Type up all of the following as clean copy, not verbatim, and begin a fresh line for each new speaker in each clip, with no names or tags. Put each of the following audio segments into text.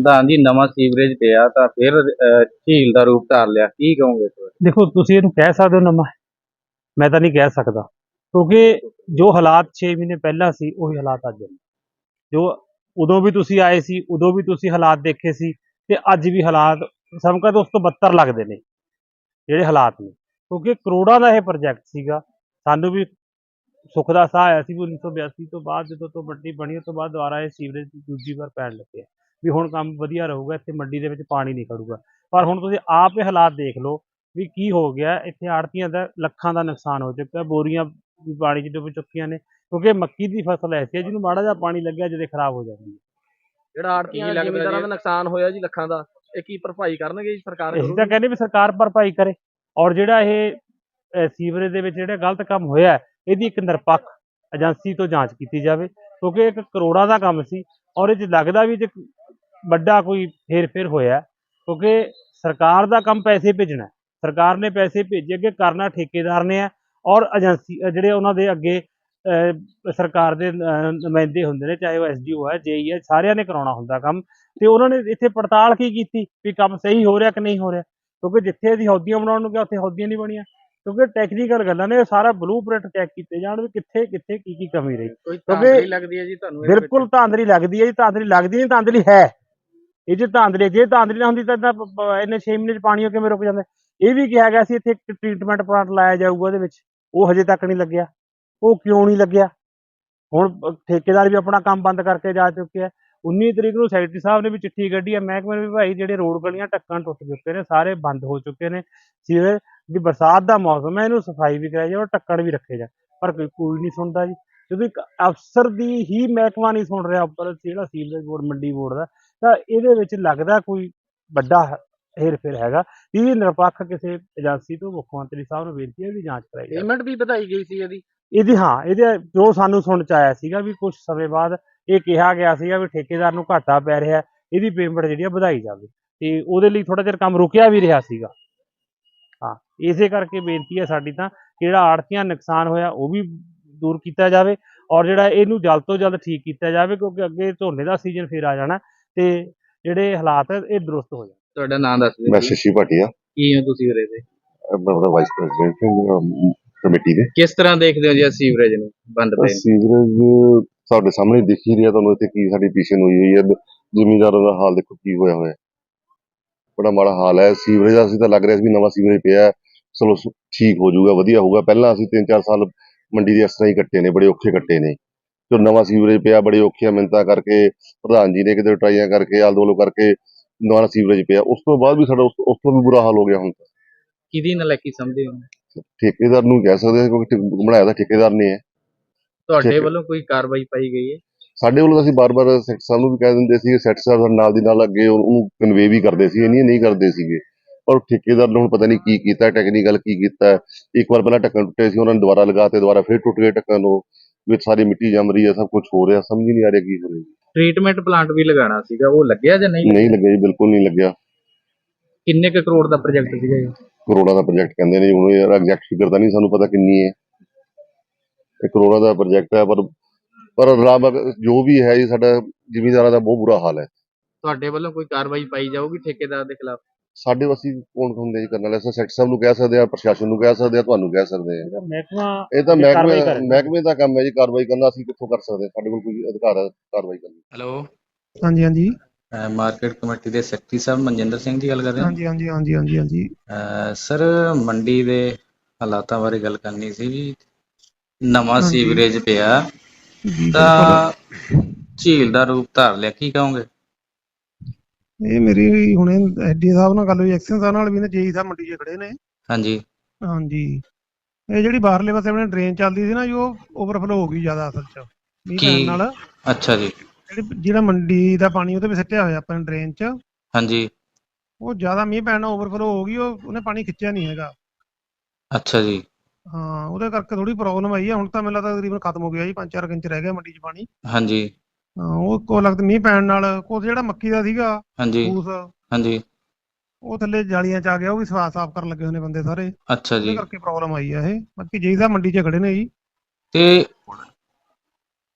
ਪ੍ਰਧਾਨ ਜੀ ਨਵਾਂ ਸੀਵਰੇਜ ਪਿਆ ਤਾਂ ਫਿਰ ਝੀਲ ਦਾ ਰੂਪ ਧਾਰ ਲਿਆ, ਕੀ ਕਹੋਗੇ ਇਸ ਬਾਰੇ?
ਦੇਖੋ ਤੁਸੀਂ ਇਹਨੂੰ ਕਹਿ ਸਕਦੇ ਹੋ ਨਵਾਂ, ਮੈਂ ਤਾਂ ਨਹੀਂ ਕਹਿ ਸਕਦਾ, ਕਿਉਂਕਿ ਜੋ ਹਾਲਾਤ 6 ਮਹੀਨੇ ਪਹਿਲਾਂ ਸੀ ਉਹੀ ਹਾਲਾਤ ਅੱਜ ਨੇ। ਜੋ ਉਦੋਂ ਵੀ ਤੁਸੀਂ ਆਏ ਸੀ, ਉਦੋਂ ਵੀ ਤੁਸੀਂ ਹਾਲਾਤ ਦੇਖੇ ਸੀ, ਤੇ ਅੱਜ ਵੀ ਹਾਲਾਤ ਸਮਕਾ ਤੋਂ ਉਸ ਤੋਂ ਬੱਤਰ ਲੱਗਦੇ ਨੇ ਜਿਹੜੇ ਹਾਲਾਤ ਨੇ, ਕਿਉਂਕਿ ਕਰੋੜਾਂ ਦਾ ਇਹ ਪ੍ਰੋਜੈਕਟ ਸੀਗਾ। ਸਾਨੂੰ ਵੀ ਸੁੱਖ ਦਾ ਸਾਹ ਆਇਆ ਸੀ ਵੀ 1982 ਤੋਂ ਬਾਅਦ ਜਦੋਂ ਤੋਂ ਮੰਡੀ ਬਣੀ ਉਸ ਤੋਂ ਬਾਅਦ ਦੁਬਾਰਾ ਇਹ ਸੀਵਰੇਜ ਦੂਜੀ ਵਾਰ ਪੈਣ ਲੱਗੇ ਵੀ ਹੁਣ ਕੰਮ ਵਧੀਆ ਰਹੂਗਾ, ਇੱਥੇ ਮੰਡੀ ਦੇ ਵਿੱਚ ਪਾਣੀ ਨਹੀਂ ਖੜੂਗਾ। ਪਰ ਹੁਣ ਤੁਸੀਂ ਆਪ ਇਹ ਹਾਲਾਤ ਦੇਖ ਲਓ ਵੀ ਕੀ ਹੋ ਗਿਆ। ਇੱਥੇ ਆੜ੍ਹਤੀਆਂ ਦਾ ਲੱਖਾਂ ਦਾ ਨੁਕਸਾਨ ਹੋ ਚੁੱਕਾ, ਬੋਰੀਆਂ ਵੀ ਪਾਣੀ 'ਚ ਡੁੱਬ ਚੁੱਕੀਆਂ ਨੇ, ਕਿਉਂਕਿ ਮੱਕੀ ਦੀ ਫਸਲ ਐਸੀ ਹੈ ਜਿਹਨੂੰ ਮਾੜਾ ਜਿਹਾ ਪਾਣੀ ਲੱਗਿਆ ਜਦੇ ਖਰਾਬ ਹੋ ਜਾਂਦੀ ਹੈ।
ਜਿਹੜਾ ਆੜ੍ਹਤੀਆਂ ਜ਼ਿਮੀਂਦਾਰਾਂ ਦਾ ਨੁਕਸਾਨ ਹੋਇਆ ਜੀ ਲੱਖਾਂ ਦਾ, ਇਹ ਕੀ ਭਰਪਾਈ ਕਰਨਗੇ ਜੀ ਸਰਕਾਰ?
ਅਸੀਂ ਤਾਂ ਕਹਿੰਦੇ ਵੀ ਸਰਕਾਰ ਭਰਪਾਈ ਕਰੇ, ਔਰ ਜਿਹੜਾ ਇਹ ਸੀਵਰੇਜ ਦੇ ਵਿੱਚ ਜਿਹੜਾ ਗਲਤ ਕੰਮ ਹੋਇਆ ਇਹਦੀ ਇੱਕ ਨਿਰਪੱਖ ਏਜੰਸੀ ਤੋਂ ਜਾਂਚ ਕੀਤੀ ਜਾਵੇ, ਕਿਉਂਕਿ ਇੱਕ ਕਰੋੜਾਂ ਦਾ ਕੰਮ ਸੀ ਔਰ ਇਹ 'ਚ ਲੱਗਦਾ ਵੀ ਜੇ ਵੱਡਾ ਕੋਈ ਹੇਰ-ਫੇਰ ਹੋਇਆ, ਕਿਉਂਕਿ ਸਰਕਾਰ ਦਾ ਕੰਮ ਪੈਸੇ ਭੇਜਣਾ, ਸਰਕਾਰ ਨੇ ਪੈਸੇ ਭੇਜੇ, ਅੱਗੇ ਕਰਨਾ ਠੇਕੇਦਾਰ ਨੇ ਹੈ ਔਰ ਏਜੰਸੀ ਜਿਹੜੇ ਉਹਨਾਂ ਦੇ ਅੱਗੇ ਸਰਕਾਰ ਦੇ ਨੁਮਾਇੰਦੇ ਹੁੰਦੇ ਨੇ, ਚਾਹੇ ਉਹ SDO ਹੈ, JE ਹੈ, ਸਾਰਿਆਂ ਨੇ ਕਰਾਉਣਾ ਹੁੰਦਾ ਕੰਮ। ਤੇ ਉਹਨਾਂ ਨੇ ਇੱਥੇ ਪੜਤਾਲ ਕੀ ਕੀਤੀ ਵੀ ਕੰਮ ਸਹੀ ਹੋ ਰਿਹਾ ਕਿ ਨਹੀਂ ਹੋ ਰਿਹਾ, ਕਿਉਂਕਿ ਜਿੱਥੇ ਅਸੀਂ ਹੌਦੀਆਂ ਬਣਾਉਣ ਨੂੰ ਗਿਆ ਉੱਥੇ ਹੌਦੀਆਂ ਨਹੀਂ ਬਣੀਆਂ, ਕਿਉਂਕਿ ਟੈਕਨੀਕਲ ਗੱਲਾਂ ਨੇ, ਸਾਰਾ ਬਲੂਪ੍ਰਿੰਟ ਚੈੱਕ ਕੀਤੇ ਜਾਣ ਵੀ ਕਿੱਥੇ ਕਿੱਥੇ ਕੀ ਕਮੀ ਰਹੀ।
ਕੋਈ ਧਾਂਦਲੀ ਲੱਗਦੀ ਹੈ ਜੀ ਤੁਹਾਨੂੰ?
ਬਿਲਕੁਲ ਧਾਂਦਲੀ ਲੱਗਦੀ ਹੈ ਜੀ, ਧਾਂਦਲੀ ਲੱਗਦੀ ਨਹੀਂ, ਧਾਂਦਲੀ ਹੈ ਇਹ 'ਚ ਧਾਂਦਲੀ। ਜੇ ਧਾਂਦਲੀ ਨਾ ਹੁੰਦੀ ਤਾਂ ਇੰਨੇ 6 ਮਹੀਨੇ 'ਚ ਪਾਣੀ ਕਿਵੇਂ ਰੁਕ ਜਾਂਦਾ। ਇਹ ਵੀ ਕਿਹਾ ਗਿਆ ਸੀ ਇੱਥੇ ਇੱਕ ਟ੍ਰੀਟਮੈਂਟ ਪਲਾਂਟ ਲਾਇਆ ਜਾਊਗਾ ਉਹਦੇ ਵਿੱਚ, ਉਹ ਹਜੇ ਤੱਕ ਨਹੀਂ ਲੱਗਿਆ। ਉਹ ਕਿਉਂ ਨਹੀਂ ਲੱਗਿਆ? ਹੁਣ ਠੇਕੇਦਾਰ ਵੀ ਆਪਣਾ ਕੰਮ ਬੰਦ ਕਰਕੇ ਜਾ ਚੁੱਕੇ ਆ। 19 ਤਰੀਕ ਨੂੰ ਸੈਕਟਰੀ ਸਾਹਿਬ ਨੇ ਵੀ ਚਿੱਠੀ ਕੱਢੀ ਹੈ ਮਹਿਕਮੇ ਨੂੰ ਵੀ ਭਾਈ ਜਿਹੜੇ ਰੋਡ ਗਲੀਆਂ ਢੱਕਣ ਟੁੱਟ ਚੁੱਕੇ ਨੇ, ਸਾਰੇ ਬੰਦ ਹੋ ਚੁੱਕੇ ਨੇ, ਸੀਵਰੇਜ ਦੀ ਬਰਸਾਤ ਦਾ ਮੌਸਮ ਹੈ, ਇਹਨੂੰ ਸਫਾਈ ਵੀ ਕਰਾਈ ਜਾਏ ਔਰ ਢੱਕਣ ਵੀ ਰੱਖੇ ਜਾਣ, ਪਰ ਕੋਈ ਨਹੀਂ ਸੁਣਦਾ ਜੀ। ਜਦੋਂ ਇੱਕ ਅਫਸਰ ਦੀ ਹੀ ਮਹਿਕਮਾ ਨਹੀਂ ਸੁਣ ਰਿਹਾ ਉੱਪਰ ਜਿਹੜਾ ਸੀਵਰੇਜ ਬੋਰਡ ਮੰਡੀ ਬੋਰਡ ਦਾ, ਤਾਂ ਇਹਦੇ ਵਿੱਚ ਲੱਗਦਾ ਕੋਈ ਵੱਡਾ ਹੇਰ-ਫੇਰ ਹੈਗਾ। ਇਹ ਨਿਰਪੱਖ ਕਿਸੇ ਏਜੰਸੀ ਤੋਂ ਮੁੱਖ ਮੰਤਰੀ ਸਾਹਿਬ ਨੂੰ ਬੇਨਤੀ ਹੈ ਵੀ ਜਾਂਚ ਕਰਾਈ ਜਾਵੇ।
ਪੇਮੈਂਟ ਵੀ ਵਧਾਈ ਗਈ ਸੀ ਇਹਦੀ?
ਇਹਦੇ ਜੋ ਸਾਨੂੰ ਸੁਣ 'ਚ ਆਇਆ ਸੀਗਾ ਵੀ ਕੁਝ ਸਮੇਂ ਬਾਅਦ ਇਹ ਕਿਹਾ ਗਿਆ ਸੀਗਾ ਵੀ ਠੇਕੇਦਾਰ ਨੂੰ ਘਾਟਾ ਪੈ ਰਿਹਾ, ਇਹਦੀ ਪੇਮੈਂਟ ਜਿਹੜੀ ਆ ਵਧਾਈ ਜਾਵੇ, ਤੇ ਉਹਦੇ ਲਈ ਥੋੜਾ ਚਿਰ ਕੰਮ ਰੁਕਿਆ ਵੀ ਰਿਹਾ ਸੀਗਾ। ਹਾਂ, ਇਸੇ ਕਰਕੇ ਬੇਨਤੀ ਹੈ ਸਾਡੀ ਤਾਂ ਕਿ ਜਿਹੜਾ ਆੜ੍ਹਤੀਆਂ ਨੁਕਸਾਨ ਹੋਇਆ ਉਹ ਵੀ ਦੂਰ ਕੀਤਾ ਜਾਵੇ ਔਰ ਜਿਹੜਾ ਇਹਨੂੰ ਜਲਦ ਤੋਂ ਜਲਦ ਠੀਕ ਕੀਤਾ ਜਾਵੇ, ਕਿਉਂਕਿ ਅੱਗੇ ਝੋਨੇ ਦਾ ਸੀਜ਼ਨ ਫਿਰ ਆ ਜਾਣਾ ਤੇ ਜਿਹੜੇ ਹਾਲਾਤ ਇਹ ਦਰੁਸਤ ਹੋ ਜਾਣ।
ਤੁਹਾਡਾ ਨਾਮ ਦੱਸ ਦਿਓ।
ਮੈਂ ਸ਼ਸ਼ੀ ਭਾਟੀਆ,
ਕੀ ਹੋ ਤੁਸੀਂ ਉਰੇ ਦੇ?
ਮੈਂ ਉਹਦਾ ਵਾਈਸ ਪ੍ਰੈਜ਼ੀਡੈਂਟ ਕਮੇਟੀ ਦੇ।
ਕਿਸ ਤਰ੍ਹਾਂ ਦੇਖਦੇ ਹੋ ਜੀ ਸੀਵਰੇਜ ਨੂੰ ਬੰਦ ਪਏ ਨੂੰ?
ਸੀਵਰੇਜ ਸਾਡੇ ਸਾਹਮਣੇ ਦਿਖ ਹੀ ਰਿਹਾ ਤੁਹਾਨੂੰ, ਇੱਥੇ ਕੀ ਸਾਡੀ ਪੀਸ਼ਨ ਹੋਈ ਹੋਈ ਹੈ। ਜ਼ਿਮੀਂਦਾਰਾਂ ਦਾ ਹਾਲ ਦੇਖੋ ਕੀ ਹੋਇਆ ਹੋਇਆ, ਬੜਾ ਮਾੜਾ ਹਾਲ ਹੈ ਸੀਵਰੇਜ ਦਾ। ਅਸੀਂ ਤਾਂ ਲੱਗ ਰਿਹਾ ਸੀ ਵੀ ਨਵਾਂ ਸੀਵਰੇਜ ਪਿਆ, ਚਲੋ ਠੀਕ ਹੋ ਜਾਊਗਾ, ਵਧੀਆ ਹੋਊਗਾ। ਪਹਿਲਾਂ ਅਸੀਂ 3-4 ਸਾਲ ਮੰਡੀ ਦੇ ਇਸ ਤਰ੍ਹਾਂ ਹੀ ਕੱਟੇ ਨੇ, ਬੜੇ ਔਖੇ ਕੱਟੇ ਨੇ। ਜੋ ਨਵਾਂ ਸੀਵਰੇਜ ਪਿਆ, ਬੜੇ ਔਖੀਆਂ ਮਿਹਨਤਾਂ ਕਰਕੇ ਪ੍ਰਧਾਨ ਜੀ ਨੇ ਕਿਤੇ ਟਰਾਈਆਂ ਕਰਕੇ ਆਲ ਦੋਲੋ ਕਰਕੇ ਨਵਾਂ ਸੀਵਰੇਜ ਪਿਆ, ਉਸ ਤੋਂ ਬਾਅਦ ਵੀ ਸਾਡਾ ਉਸ ਤੋਂ ਵੀ ਬੁਰਾ ਹਾਲ ਹੋ ਗਿਆ। ਹੁਣ ਤਾਂ
ਕਿਹਦੀ ਨਲਾਇਕੀ ਸਮਝਦੇ ਹੋ?
ਠੇਕੇਦਾਰ ਨੂੰ ਕਹਿ ਸਕਦੇ ਹਾਂ, ਕਿਉਂਕਿ ਬਣਾਇਆ ਤਾਂ ਠੇਕੇਦਾਰ ਨੇ ਹੈ।
ਤੁਹਾਡੇ ਵੱਲੋਂ ਕੋਈ ਕਾਰਵਾਈ ਪਾਈ ਗਈ ਹੈ?
ਸਾਡੇ ਵੱਲੋਂ ਅਸੀਂ ਬਾਰ-ਬਾਰ ਸੈਕਟਰ ਸਾਹਿਬ ਨੂੰ ਵੀ ਕਹਿ ਦਿੰਦੇ ਸੀ, ਸੈਕਟਰ ਸਾਹਿਬ ਸਾਡੇ ਨਾਲ ਦੀ ਨਾਲ ਅੱਗੇ ਉਹਨੂੰ ਕਨਵੇ ਵੀ ਕਰਦੇ ਸੀ, ਨਹੀਂ ਕਰਦੇ ਸੀਗੇ। ਪਰ ਠੇਕੇਦਾਰ ਨੇ ਹੁਣ ਪਤਾ ਨਹੀਂ ਕੀ ਕੀਤਾ, ਟੈਕਨੀਕਲ ਕੀ ਕੀਤਾ। ਇੱਕ ਵਾਰ ਪਹਿਲਾਂ ਢੱਕਣ ਟੁੱਟੇ ਸੀ, ਉਹਨਾਂ ਨੇ ਦੁਬਾਰਾ ਲਗਾਤੇ, ਦੁਬਾਰਾ ਫਿਰ ਟੁੱਟ ਗਏ ਢੱਕਣ, ਉਹ ਵਿੱਚ ਸਾਰੀ ਮਿੱਟੀ ਜੰਮ ਰਹੀ ਹੈ, ਸਭ ਕੁਝ ਹੋ ਰਿਹਾ, ਸਮਝ ਹੀ ਨਹੀਂ ਆ ਰਿਹਾ ਕੀ ਹੋ ਰਿਹਾ।
ਟ੍ਰੀਟਮੈਂਟ ਪਲਾਂਟ ਵੀ ਲਗਾਉਣਾ ਸੀਗਾ, ਉਹ ਲੱਗਿਆ ਜਾਂ ਨਹੀਂ?
ਨਹੀਂ ਲੱਗਿਆ ਜੀ, ਬਿਲਕੁਲ ਨਹੀਂ ਲੱਗਿਆ।
ਕਿੰਨੇ ਕੁ ਕਰੋੜ ਦਾ ਪ੍ਰੋਜੈਕਟ ਸੀਗਾ ਇਹ?
ਕਰੋੜਾਂ ਦਾ ਪ੍ਰੋਜੈਕਟ ਕਹਿੰਦੇ ਨੇ, ਹੁਣ ਯਾਰ ਐਗਜ਼ੈਕਟ ਫਿਗਰ ਤਾਂ ਨਹੀਂ ਸਾਨੂੰ ਪਤਾ ਕਿੰਨੀ ਹੈ। ਇਹ ਕਰੋੜਾਂ ਦਾ ਪ੍ਰੋਜੈਕਟ ਹੈ, ਪਰ ਰੱਬ ਜੋ ਵੀ ਹੈ ਜੀ, ਸਾਡਾ ਜ਼ਿਮੀਂਦਾਰਾਂ ਦਾ ਬਹੁਤ ਬੁਰਾ ਹਾਲ ਹੈ।
ਤੁਹਾਡੇ ਵੱਲੋਂ ਕੋਈ ਕਾਰਵਾਈ ਪਾਈ ਜਾਊਗੀ ਠੇਕੇਦਾਰ ਦੇ ਖਿਲਾਫ?
ਸਾਡੇ ਅਸੀਂ ਕੌਣ ਹੁੰਦੇ ਜੀ ਕਰਨ ਵਾਲੇ? ਅਸੀਂ ਸੈਕਟਰ ਸਾਹਿਬ ਨੂੰ ਕਹਿ ਸਕਦੇ ਹਾਂ, ਪ੍ਰਸ਼ਾਸਨ ਨੂੰ ਕਹਿ ਸਕਦੇ ਹਾਂ, ਤੁਹਾਨੂੰ ਕਹਿ ਸਕਦੇ ਹਾਂ। ਇਹ ਤਾਂ ਮਹਿਕਮੇ ਦਾ ਕੰਮ ਹੈ ਜੀ ਕਾਰਵਾਈ ਕਰਨਾ, ਅਸੀਂ ਕਿੱਥੋਂ ਕਰ ਸਕਦੇ ਹਾਂ? ਸਾਡੇ ਕੋਲ ਕੋਈ ਅਧਿਕਾਰ ਹੈ ਕਾਰਵਾਈ ਕਰਨ ਦਾ?
ਹੈਲੋ,
ਹਾਂਜੀ ਹਾਂਜੀ
ਮਾਰਕੀਟ ਕਮੇਟੀ ਦੇ ਸੈਕਟਰੀ ਸਾਹਿਬ ਮਨਜਿੰਦਰ ਸਿੰਘ ਜੀ ਗੱਲ ਕਰ ਰਹੇ ਹੋ?
ਹਾਂਜੀ ਹਾਂਜੀ ਹਾਂਜੀ ਹਾਂਜੀ ਹਾਂਜੀ
ਸਰ, ਮੰਡੀ ਦੇ ਹਾਲਾਤਾਂ ਬਾਰੇ ਗੱਲ ਕਰਨੀ ਸੀ ਜੀ। ਨਵਾਂ ਸੀਵਰੇਜ ਪਿਆ ਤਾਂ ਝੀਲ ਦਾ ਰੂਪ ਧਾਰ ਲਿਆ, ਕੀ ਕਹੋਗੇ?
ਇਹ ਮੇਰੀ ਹੁਣੇ ਐਡੀ ਸਾਹਿਬ ਨਾਲ ਗੱਲ ਹੋਈ, ਐਕਸ਼ਨ ਸਾਹਿਬ ਨਾਲ ਵੀ ਨੇ, JE ਸਾਹਿਬ ਮੰਡੀ 'ਚ ਖੜੇ ਨੇ।
ਹਾਂਜੀ
ਹਾਂਜੀ, ਇਹ ਜਿਹੜੀ ਬਾਹਰਲੇ ਪਾਸੇ ਆਪਣੇ ਡਰੇਨ ਚੱਲਦੀ ਸੀ ਨਾ ਜੀ, ਉਹ ਓਵਰਫਲੋ ਹੋ ਗਈ ਜ਼ਿਆਦਾ ਅਸਲ 'ਚ ਮੀਂਹ ਪੈਣ ਨਾਲ।
ਅੱਛਾ ਜੀ।
ਜਿਹੜਾ ਮੰਡੀ ਦਾ ਪਾਣੀ ਉਹਦੇ ਵਿੱਚ ਸਿੱਟਿਆ ਹੋਇਆ ਆਪਣੇ ਡਰੇਨ 'ਚ,
ਹਾਂਜੀ,
ਉਹ ਜ਼ਿਆਦਾ ਮੀਂਹ ਪੈਣ ਨਾਲ ਓਵਰਫਲੋ ਹੋ ਗਈ, ਉਹਨੇ ਪਾਣੀ ਖਿੱਚਿਆ ਨਹੀਂ ਹੈਗਾ।
ਅੱਛਾ ਜੀ।
ਹਾਂ, ਉਹਦੇ ਕਰਕੇ ਥੋੜੀ ਪ੍ਰੋਬਲਮ ਆਈ ਹੈ। ਹੁਣ ਤਾਂ ਮੈਨੂੰ ਲੱਗਦਾ ਤਕਰੀਬਨ ਖਤਮ ਹੋ ਗਿਆ ਜੀ, 5-4 ਇੰਚ ਰਹਿ ਗਿਆ ਮੰਡੀ 'ਚ ਪਾਣੀ।
ਹਾਂਜੀ।
ਹਾਂ, ਉਹ ਕੋ ਲੱਗਦਾ ਮੀਂਹ ਪੈਣ ਨਾਲ ਕੁਛ ਜਿਹੜਾ ਮੱਕੀ ਦਾ ਸੀਗਾ
ਹਾਂਜੀ
ਫੂਸ,
ਹਾਂਜੀ।
ਉਹ ਥੱਲੇ ਜਾਲੀਆਂ 'ਚ ਆ ਗਿਆ, ਉਹ ਵੀ ਸਾਫ਼ ਕਰਨ ਲੱਗੇ ਹੋਏ ਨੇ ਬੰਦੇ ਸਾਰੇ।
ਅੱਛਾ ਜੀ।
ਉਹਦੇ ਕਰਕੇ ਪ੍ਰੋਬਲਮ ਆਈ ਆ ਇਹ। ਬਾਕੀ JE ਸਾਹਿਬ ਮੰਡੀ 'ਚ ਖੜੇ ਨੇ ਜੀ।
ਤੇ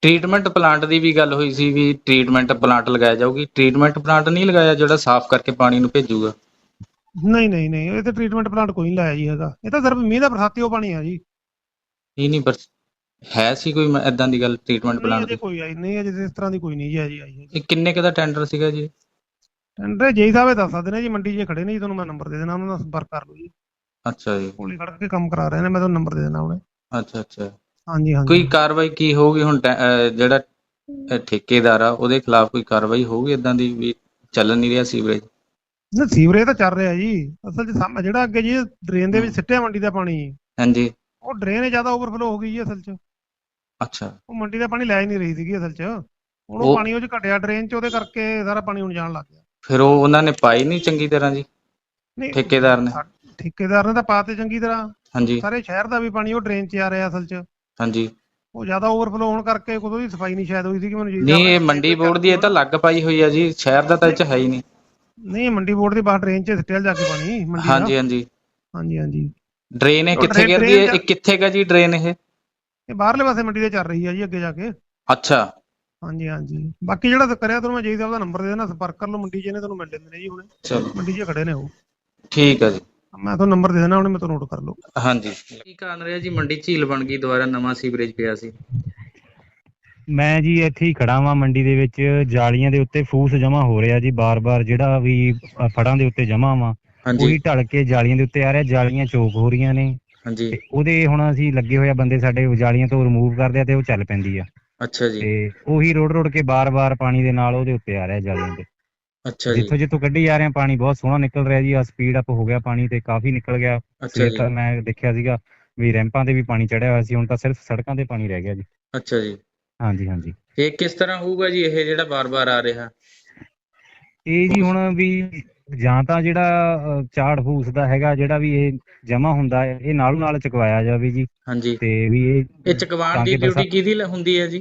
ਟ੍ਰੀਟਮੈਂਟ ਪਲਾਂਟ ਦੀ ਵੀ ਗੱਲ ਹੋਈ ਸੀ ਵੀ ਟ੍ਰੀਟਮੈਂਟ ਪਲਾਂਟ ਲਗਾਇਆ ਜਾਊਗੀ। ਟ੍ਰੀਟਮੈਂਟ ਪਲਾਂਟ ਨਹੀਂ ਲਗਾਇਆ ਜਿਹੜਾ ਸਾਫ਼ ਕਰਕੇ ਪਾਣੀ ਨੂੰ ਭੇਜੂਗਾ?
ਨਹੀਂ ਇਹ ਤੇ ਟ੍ਰੀਟਮੈਂਟ ਪਲਾਂਟ ਕੋਈ ਨਹੀਂ ਲਾਇਆ ਜੀ ਹੈਗਾ। ਇਹ ਤਾਂ ਸਿਰਫ ਮੀਂਹ ਦਾ ਬਰਸਾਤੀ ਉਹ ਪਾਣੀ ਆ ਜੀ।
ਇਹ ਨਹੀਂ, ਪਰ ਹੈ ਸੀ ਕੋਈ ਏਦਾਂ ਦੀ ਗੱਲ ਟ੍ਰੀਟਮੈਂਟ
ਨਹੀਂ
ਪਲਾਂਟ
ਅਜੇ
ਦੀ?
ਕੋਈ ਆਈ ਨਹੀਂ, ਅਜੇ ਇਸ ਤਰ੍ਹਾਂ ਦੀ ਕੋਈ ਨਹੀਂ ਜੀ ਆਈ ਹੈ।
ਇਹ ਕਿੰਨੇ ਕੁ ਦਾ ਟੈਂਡਰ ਸੀਗਾ ਜੀ?
ਟੈਂਡਰ ਜੇਈ ਸਾਹਿਬ ਇਹ ਦੱਸ ਸਕਦੇ ਨੇ ਜੀ, ਮੰਡੀ 'ਚ ਖੜੇ ਨੇ ਜੀ, ਤੁਹਾਨੂੰ ਮੈਂ ਨੰਬਰ ਦੇ ਦੇਣਾ, ਉਹਨਾਂ ਨਾਲ ਸੰਪਰਕ ਕਰ ਲਓ ਜੀ।
ਅੱਛਾ ਜੀ।
ਕੋਲੀ ਖੜ ਕੇ ਕੰਮ ਕਰਾ ਰਹੇ ਨੇ, ਮੈਂ ਤੁਹਾਨੂੰ ਨੰਬਰ ਦੇ ਦੇਣਾ ਉਹਨੇ।
ਅੱਛਾ।
ਹਾਂਜੀ
ਕੋਈ ਕਾਰਵਾਈ ਕੀ ਹੋਊਗੀ ਹੁਣ? ਜਿਹੜਾ ਠੇਕੇਦਾਰ ਆ ਉਹਦੇ ਖਿਲਾਫ ਕੋਈ ਕਾਰਵਾਈ ਹੋਊਗੀ ਏਦਾਂ ਦੀ ਵੀ ਚੱਲ ਨਹੀਂ ਰਿਹਾ ਸੀਵਰੇਜ?
ਨਾ ਸੀਵਰੇਜ ਤਾਂ ਚੱਲ ਰਿਹਾ ਜੀ। ਅਸਲ 'ਚ ਜਿਹੜਾ ਅੱਗੇ ਜੀ ਡਰੇਨ ਦੇ ਵਿੱਚ ਸਿੱਟਿਆ ਮੰਡੀ ਦਾ ਪਾਣੀ,
ਹਾਂਜੀ।
ਉਹ ਡਰੇਨ ਜ਼ਿਆਦਾ ਓਵਰਫਲੋ ਹੋ ਗਈ ਜੀ ਅਸਲ 'ਚ।
ਅੱਛਾ।
ਉਹ ਮੰਡੀ ਦਾ ਪਾਣੀ ਲੈ ਹੀ ਨਹੀਂ ਰਹੀ ਸੀਗੀ ਅਸਲ 'ਚ। ਹੁਣ ਉਹ
ਉਹ
ਪਾਣੀ ਉਹ 'ਚ ਘਟਿਆ ਡਰੇਨ 'ਚ, ਉਹਦੇ ਕਰਕੇ ਸਾਰਾ ਪਾਣੀ ਹੁਣ ਜਾਣ ਲੱਗ ਗਿਆ।
ਫਿਰ ਉਹਨਾਂ ਨੇ ਪਾਈ ਨਹੀਂ ਚੰਗੀ ਤਰ੍ਹਾਂ ਜੀ,
ਨਹੀਂ
ਠੇਕੇਦਾਰ ਨੇ?
ਠੇਕੇਦਾਰ ਨੇ ਤਾਂ ਪਾਤੇ ਚੰਗੀ ਤਰ੍ਹਾਂ।
ਹਾਂਜੀ
ਸਾਰੇ ਸ਼ਹਿਰ ਦਾ ਵੀ ਪਾਣੀ ਉਹ ਡਰੇਨ 'ਚ ਆ ਰਿਹਾ ਅਸਲ 'ਚ।
ਹਾਂਜੀ।
ਉਹ ਜ਼ਿਆਦਾ ਓਵਰਫਲੋ ਹੋਣ ਕਰਕੇ ਕੋਈ ਉਹਦੀ ਸਫਾਈ ਨਹੀਂ ਸ਼ਾਇਦ ਹੋਈ ਸੀ ਕਿ ਮੈਨੂੰ ਜੀ
ਨਹੀਂ, ਇਹ ਮੰਡੀ ਬੋਰਡ ਦੀ ਇਹ ਤਾਂ ਲੱਗ ਪਾਈ ਹੋਈ ਆ ਜੀ, ਸ਼ਹਿਰ ਦਾ ਤਾਂ ਇਹ 'ਚ ਹੈ ਹੀ ਨਹੀਂ।
ਨਹੀਂ ਮੰਡੀ ਬੋਰਡ ਦੀ ਬਾਹਰ ਡਰੇਨ 'ਚ ਸਿੱਟਿਆ ਜਾ ਕੇ ਪਾਣੀ ਮੰਡੀ ਦਾ। ਹਾਂਜੀ।
ਡਰੇਨ ਇਹ ਕਿੱਥੇ ਗਿਰਦੀ ਹੈ? ਇਹ ਕਿੱਥੇ ਗਾ ਜੀ ਡਰੇਨ ਇਹ
ਬਾਹਰਲੇ ਪਾਸੇ ਮੰਡੀ ਦੇ ਚੱਲ ਰਹੀ ਹੈ ਜੀ ਅੱਗੇ ਜਾ ਕੇ।
ਅੱਛਾ।
ਹਾਂਜੀ। ਬਾਕੀ ਜਿਹੜਾ ਕਰਿਆ ਤੁਹਾਨੂੰ ਮੈਂ ਜੀ ਸਾਹਿਬ ਦਾ ਨੰਬਰ ਦੇ ਦੇਣਾ, ਸੰਪਰਕ ਕਰ ਲਓ। ਮੰਡੀ 'ਚ ਇਹਨੇ ਤੁਹਾਨੂੰ ਮਿਲ ਲੈਂਦੇ ਨੇ ਜੀ ਹੁਣੇ,
ਚਲੋ
ਮੰਡੀ 'ਚ ਖੜੇ ਨੇ ਉਹ।
ਠੀਕ ਆ ਜੀ।
ਮੈਂ ਤੁਹਾਨੂੰ ਨੰਬਰ ਦੇ ਦੇਣਾ ਉਹਨੇ, ਮੈਂ ਤੁਹਾਨੂੰ ਨੋਟ ਕਰ ਲਓ।
ਹਾਂਜੀ। ਕੀ ਕਾਰਨ ਰਿਹਾ ਜੀ ਮੰਡੀ ਝੀਲ ਬਣ ਗਈ, ਦੁਬਾਰਾ ਨਵਾਂ ਸੀਵਰੇਜ ਪਿਆ ਸੀ?
ਮੈਂ ਜੀ ਇੱਥੇ ਹੀ ਖੜਾ ਵਾਂ ਮੰਡੀ ਦੇ ਵਿੱਚ। ਜਾਲੀਆਂ ਦੇ ਉੱਤੇ ਫੂਸ ਜਮਾ ਹੋ ਰਿਹਾ ਜੀ ਬਾਰ-ਬਾਰ, ਜਿਹੜਾ ਵੀ ਫੜਾਂ ਦੇ ਉੱਤੇ ਜਮਾ ਵਾ ਉਹੀ ਢਲ ਕੇ ਜਾਲੀਆਂ ਦੇ ਉੱਤੇ ਆ ਰਿਹਾ। ਜਾਲੀਆਂ ਚੋਕ ਹੋ ਰਹੀਆਂ ਨੇ
ਹਾਂਜੀ।
ਤੇ ਉਹਦੇ ਹੁਣ ਅਸੀਂ ਲੱਗੇ ਹੋਏ ਆ ਬੰਦੇ ਸਾਡੇ, ਜਾਲੀਆਂ ਤੋਂ ਰਿਮੂਵ ਕਰਦੇ ਆ ਤੇ ਉਹ ਚੱਲ ਪੈਂਦੀ ਆ।
ਅੱਛਾ ਜੀ।
ਤੇ ਉਹੀ ਰੋੜ ਕੇ ਬਾਰ-ਬਾਰ ਪਾਣੀ ਦੇ ਨਾਲ ਉਹਦੇ ਉੱਤੇ ਆ ਰਿਹਾ ਜਾਲੀਆਂ ਦੇ।
ਅੱਛਾ ਜੀ।
ਜਿੱਥੋਂ ਕੱਢੀ ਜਾ ਰਹੇ ਆ ਪਾਣੀ ਬਹੁਤ ਸੋਹਣਾ ਨਿਕਲ ਰਿਹਾ ਜੀ। ਆ ਸਪੀਡ ਅਪ ਹੋ ਗਿਆ ਪਾਣੀ ਤੇ ਕਾਫੀ ਨਿਕਲ ਗਿਆ।
ਅੱਛਾ ਜੀ।
ਮੈਂ ਦੇਖਿਆ ਸੀਗਾ ਵੀ ਰੈਂਪਾਂ ਤੇ ਵੀ ਪਾਣੀ ਚੜਿਆ ਹੋਇਆ ਸੀ, ਹੁਣ ਤਾਂ ਸਿਰਫ ਸੜਕਾਂ ਤੇ ਪਾਣੀ ਰਹਿ ਗਿਆ ਜੀ।
ਅੱਛਾ ਜੀ।
ਹਾਂਜੀ।
ਇਹ ਕਿਸ ਤਰ੍ਹਾਂ ਹੋਊਗਾ ਜੀ ਇਹ ਜਿਹੜਾ ਬਾਰ-ਬਾਰ ਆ ਰਿਹਾ?
ਇਹ ਜੀ ਹੁਣ ਵੀ ਜਾਂ ਤਾਂ ਜਿਹੜਾ ਝਾੜ ਫੂਸ ਦਾ ਹੈਗਾ, ਜਿਹੜਾ ਵੀ ਇਹ ਜਮਾ ਹੁੰਦਾ ਹੈ, ਇਹ ਨਾਲੋਂ ਨਾਲ ਚੁਕਵਾਇਆ ਜਾਵੇ ਜੀ।
ਹਾਂਜੀ।
ਤੇ ਵੀ
ਇਹ ਚੁਕਵਾਉਣ ਦੀ ਡਿਊਟੀ ਕਿਹਦੀ ਹੁੰਦੀ ਹੈ ਜੀ?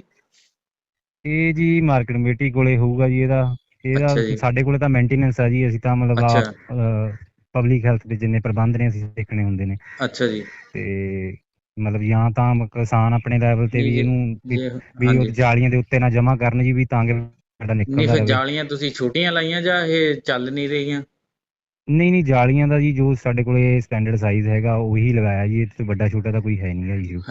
ਇਹ ਜੀ ਮਾਰਕੀਟ ਕਮੇਟੀ ਕੋਲੇ ਹੋਊਗਾ ਜੀ।
ਅੱਛਾ ਜੀ।
ਸਾਡੇ ਕੋਲੇ ਤਾਂ ਮੇਨਟੇਨੈਂਸ ਆ ਜੀ, ਅਸੀਂ ਤਾਂ ਮਤਲਬ
ਅੱਛਾ।
ਪਬਲਿਕ ਹੈਲਥ ਦੇ ਜਿੰਨੇ ਪ੍ਰਬੰਧ ਨੇ ਅਸੀਂ ਦੇਖਣੇ ਹੁੰਦੇ ਨੇ।
ਅੱਛਾ ਜੀ।
ਤੇ ਮਤਲਬ ਜਾਂ ਤਾਂ ਕਿਸਾਨ ਆਪਣੇ ਲੈਵਲ ਤੇ ਵੀ ਇਹਨੂੰ ਵੀ ਉਹ
ਹਾਂਜੀ।
ਜਾਲੀਆਂ ਦੇ ਉੱਤੇ ਨਾ ਜਮਾ ਕਰਨ ਜੀ, ਵੀ ਤਾਂ ਕਿ ਸਾਡਾ
ਨਹੀਂ,
ਨਿਕਲਦਾ
ਫਿਰ
ਰਹੇ।
ਜਾਲੀਆਂ ਤੁਸੀਂ ਛੋਟੀਆਂ ਲਾਈਆਂ ਜਾਂ ਇਹ ਚੱਲ ਨਹੀਂ ਰਹੀਆਂ?
ਨਹੀਂ ਜਾਲੀਆਂ ਦਾ ਜੀ ਜੋ ਸਾਡੇ ਕੋਲੇ ਸਟੈਂਡਰਡ ਸਾਈਜ਼ ਹੈਗਾ ਉਹੀ ਲਗਾਇਆ ਜੀ। ਇਹਦੇ ਤੋਂ ਵੱਡਾ ਛੋਟਾ ਤਾਂ ਕੋਈ ਹੈ ਨਹੀਂ ਗਾ ਇਸ਼ੂ।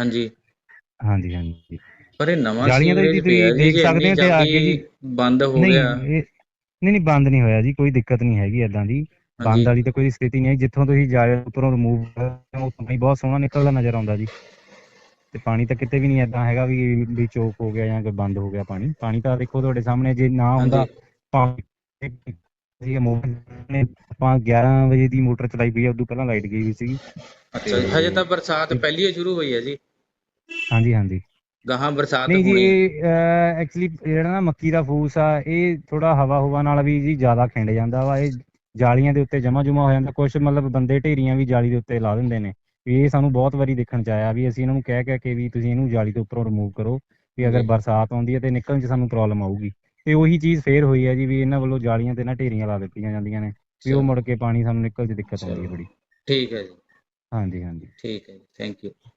ਹਾਂਜੀ।
ਪਰ ਇਹ ਨਵਾਂ
ਜਾਲੀਆਂ ਦਾ
ਸੀਵਰੇਜ
ਜੀ
ਪਿਆ
ਤੁਸੀਂ
ਜੀ,
ਦੇਖ
ਜੇ
ਸਕਦੇ
ਇੰਨੀ
ਹੋ ਤੇ ਆ ਕੇ ਜੀ
ਜਲਦੀ ਬੰਦ ਹੋ
ਨਹੀਂ
ਗਿਆ?
ਨਹੀਂ ਬੰਦ ਨਹੀਂ ਹੋਇਆ ਜੀ, ਕੋਈ ਦਿੱਕਤ ਨਹੀਂ ਹੈਗੀ ਏਦਾਂ ਦੀ। ਬੰਦ ਵਾਲੀ ਤਾਂ ਕੋਈ ਸਥਿਤੀ ਨਹੀਂ ਹੈ। ਜਿੱਥੋਂ ਤੁਸੀਂ ਜਾਲੇ ਉੱਪਰੋਂ ਰਿਮੂਵ ਉਹ ਪਾਣੀ ਬਹੁਤ ਸੋਹਣਾ ਨਿਕਲਦਾ ਨਜ਼ਰ ਆਉਂਦਾ ਜੀ। ਤੇ ਪਾਣੀ ਤਾਂ ਕਿਤੇ ਵੀ ਨਹੀਂ ਏਦਾਂ ਹੈਗਾ ਵੀ ਚੋਕ ਹੋ ਗਿਆ ਜਾਂ ਕੋਈ ਬੰਦ ਹੋ ਗਿਆ ਪਾਣੀ ਤਾਂ ਦੇਖੋ ਤੁਹਾਡੇ ਸਾਹਮਣੇ। ਜੇ ਨਾ ਹੁੰਦਾ ਆਪਾਂ 11 ਵਜੇ ਦੀ ਮੋਟਰ ਚਲਾਈ ਪਈ ਆ, ਉਦੋਂ ਪਹਿਲਾਂ ਲਾਈਟ ਗਈ ਹੋਈ ਸੀਗੀ।
ਅੱਛਾ ਜੀ। ਹਜੇ ਤਾਂ ਬਰਸਾਤ ਪਹਿਲੀ ਸ਼ੁਰੂ ਹੋਈ ਹੈ ਜੀ।
ਹਾਂਜੀ।
ਗਾਹਾਂ ਬਰਸਾਤ
ਨਹੀਂ ਜੀ,
ਹੋਣੀ?
ਇਹ ਐਕਚੁਅਲੀ ਜਿਹੜਾ ਨਾ ਮੱਕੀ ਦਾ ਫੂਸ ਆ, ਇਹ ਥੋੜਾ ਹਵਾ ਨਾਲ ਵੀ ਜੀ ਜ਼ਿਆਦਾ ਖਿੰਡ ਜਾਂਦਾ ਵਾ। ਇਹ ਜਾਲੀਆਂ ਦੇ ਉੱਤੇ ਜਮਾ ਹੋ ਜਾਂਦਾ। ਕੁਛ ਮਤਲਬ ਬੰਦੇ ਢੇਰੀਆਂ ਵੀ ਜਾਲੀ ਦੇ ਉੱਤੇ ਲਾ ਦਿੰਦੇ ਨੇ। ਵੀ ਇਹ ਸਾਨੂੰ ਬਹੁਤ ਵਾਰੀ ਦੇਖਣ ਚ ਆਇਆ ਵੀ ਅਸੀਂ ਇਹਨਾਂ ਨੂੰ ਕਹਿ ਕੇ ਵੀ ਤੁਸੀਂ ਇਹਨੂੰ ਜਾਲੀ ਤੋਂ ਉੱਪਰੋਂ ਰਿਮੂਵ ਕਰੋ, ਵੀ ਅਗਰ ਬਰਸਾਤ ਆਉਂਦੀ ਹੈ ਤੇ ਨਿਕਲਣ ਚ ਸਾਨੂੰ ਪ੍ਰੋਬਲਮ ਆਊਗੀ। ਤੇ ਉਹੀ ਚੀਜ਼ ਫੇਰ ਹੋਈ ਹੈ ਜੀ, ਵੀ ਇਹਨਾਂ ਵੱਲੋਂ ਜਾਲੀਆਂ ਤੇ ਨਾ ਢੇਰੀਆਂ ਲਾ ਦਿੱਤੀਆਂ ਜਾਂਦੀਆਂ ਨੇ, ਵੀ ਉਹ ਮੁੜ ਕੇ ਪਾਣੀ ਸਾਨੂੰ ਨਿਕਲ ਚ ਦਿੱਕਤ ਆਉਂਦੀ ਹੈ ਬੜੀ।
ਠੀਕ ਹੈ ਜੀ।
ਹਾਂਜੀ।
ਠੀਕ ਹੈ ਜੀ। Thank you.